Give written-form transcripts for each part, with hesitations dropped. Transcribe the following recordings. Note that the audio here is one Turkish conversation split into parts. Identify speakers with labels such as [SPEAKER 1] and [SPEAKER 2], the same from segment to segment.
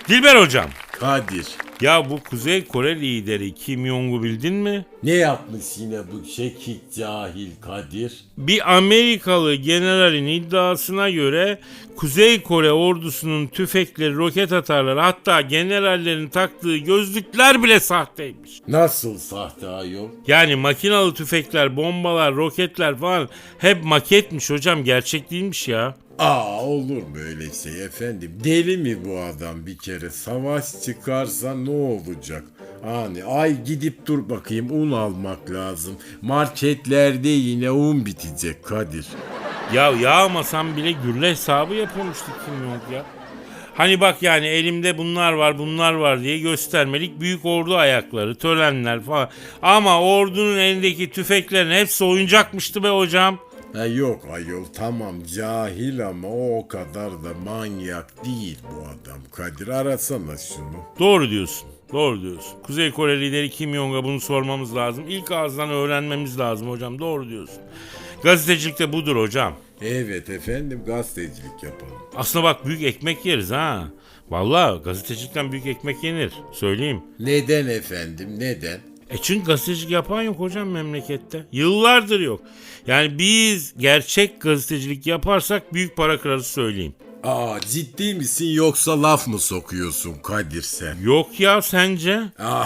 [SPEAKER 1] Dilber hocam.
[SPEAKER 2] Kadir.
[SPEAKER 1] Ya bu Kuzey Kore lideri Kim Jong'u bildin mi?
[SPEAKER 2] Ne yapmış yine bu şekik cahil Kadir?
[SPEAKER 1] Bir Amerikalı generalin iddiasına göre Kuzey Kore ordusunun tüfekleri, roket atarları, hatta generallerin taktığı gözlükler bile sahteymiş.
[SPEAKER 2] Nasıl sahte ayol?
[SPEAKER 1] Yani makinalı tüfekler, bombalar, roketler falan hep maketmiş hocam, gerçek değilmiş ya.
[SPEAKER 2] Olur mu öyle şey efendim? Deli mi bu adam bir kere? Savaş çıkarsa ne olacak? Hani ay gidip dur bakayım un almak lazım. Marketlerde yine un bitecek Kadir.
[SPEAKER 1] Ya yağmasam bile gülle hesabı yapıyormuştu Kim Jong ya. Hani bak yani elimde bunlar var diye göstermelik büyük ordu ayakları, törenler falan. Ama ordunun elindeki tüfeklerin hepsi oyuncakmıştı be hocam.
[SPEAKER 2] Yok ayol tamam cahil ama o kadar da manyak değil bu adam. Kadir arasana şunu.
[SPEAKER 1] Doğru diyorsun. Kuzey Kore lideri Kim Jong'a bunu sormamız lazım. İlk ağızdan öğrenmemiz lazım hocam. Doğru diyorsun. Gazetecilik de budur hocam.
[SPEAKER 2] Evet efendim gazetecilik yapalım.
[SPEAKER 1] Aslında bak büyük ekmek yeriz ha. Vallahi gazetecilikten büyük ekmek yenir. Söyleyeyim.
[SPEAKER 2] Neden efendim neden?
[SPEAKER 1] Çünkü gazetecilik yapan yok hocam memlekette. Yıllardır yok. Yani biz gerçek gazetecilik yaparsak büyük para kırarız söyleyeyim.
[SPEAKER 2] Ciddi misin yoksa laf mı sokuyorsun Kadir sen?
[SPEAKER 1] Yok ya sence?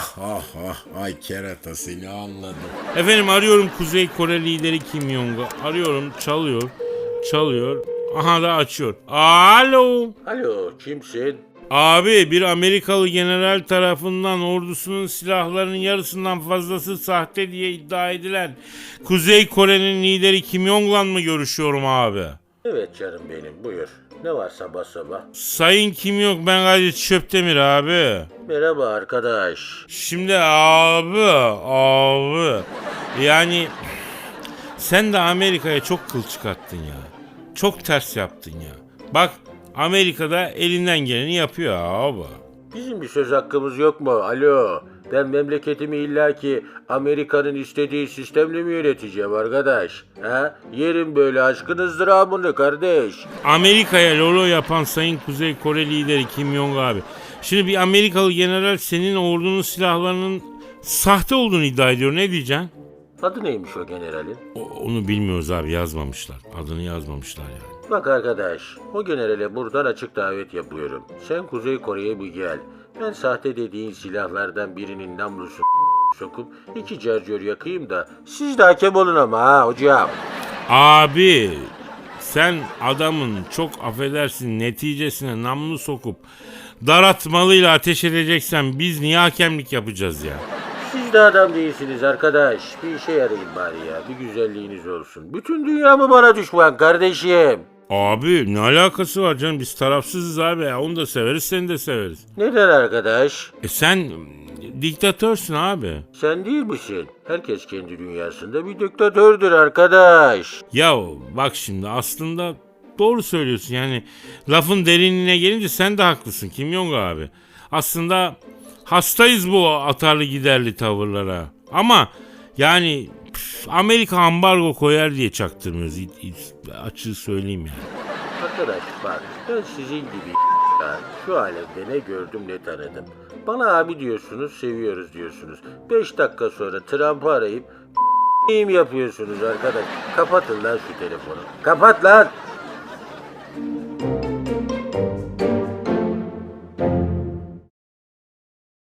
[SPEAKER 2] Ay kerata seni anladım.
[SPEAKER 1] Efendim arıyorum Kuzey Kore lideri Kim Jong'u. Arıyorum çalıyor. Aha da açıyor. Alo.
[SPEAKER 3] Alo, kimsin?
[SPEAKER 1] Abi bir Amerikalı general tarafından ordusunun silahlarının yarısından fazlası sahte diye iddia edilen Kuzey Kore'nin lideri Kim Jong'la mı görüşüyorum abi?
[SPEAKER 3] Evet canım benim, buyur. Ne var sabah sabah?
[SPEAKER 1] Sayın Kim Jong, ben Kadir Çöptemir abi.
[SPEAKER 3] Merhaba arkadaş.
[SPEAKER 1] Şimdi abi yani sen de Amerika'ya çok kıl çıkarttın ya. Çok ters yaptın ya. Bak Amerika'da elinden geleni yapıyor abi.
[SPEAKER 3] Bizim bir söz hakkımız yok mu? Alo. Ben memleketimi illaki Amerika'nın istediği sistemle mi yöneteceğim arkadaş? Yerim böyle aşkın ızdırabını kardeş.
[SPEAKER 1] Amerika'ya lolo yapan Sayın Kuzey Kore lideri Kim Jong abi. Şimdi bir Amerikalı general senin ordunun silahlarının sahte olduğunu iddia ediyor. Ne diyeceksin?
[SPEAKER 3] Adı neymiş o generalin?
[SPEAKER 1] Onu bilmiyoruz abi, yazmamışlar. Adını yazmamışlar yani.
[SPEAKER 3] Bak arkadaş, o generale buradan açık davet yapıyorum. Sen Kuzey Kore'ye bir gel. Ben sahte dediğin silahlardan birinin namlusunu sokup 2 carcör yakayım da siz de hakem olun ama hocam.
[SPEAKER 1] Abi sen adamın çok affedersin neticesine namlu sokup daratmalıyla ateş edeceksen biz niye hakemlik yapacağız ya?
[SPEAKER 3] Siz de adam değilsiniz arkadaş. Bir işe yarayın bari ya. Bir güzelliğiniz olsun. Bütün dünya mı bana düşman kardeşim?
[SPEAKER 1] Abi ne alakası var canım, biz tarafsızız abi ya, onu da severiz seni de severiz.
[SPEAKER 3] Neden arkadaş?
[SPEAKER 1] Sen diktatörsün abi.
[SPEAKER 3] Sen değil misin? Herkes kendi dünyasında bir diktatördür arkadaş.
[SPEAKER 1] Ya bak şimdi aslında doğru söylüyorsun yani, lafın derinliğine gelince sen de haklısın Kim Jong abi. Aslında hastayız bu atarlı giderli tavırlara. Ama yani Amerika ambargo koyar diye çaktırmıyoruz. Açığı söyleyeyim yani.
[SPEAKER 3] Arkadaş bak ben sizin gibi şu alemde ne gördüm ne tanıdım. Bana abi diyorsunuz, seviyoruz diyorsunuz. 5 dakika sonra Trump'ı arayıp yapıyorsunuz arkadaş. Kapatın lan şu telefonu. Kapat lan.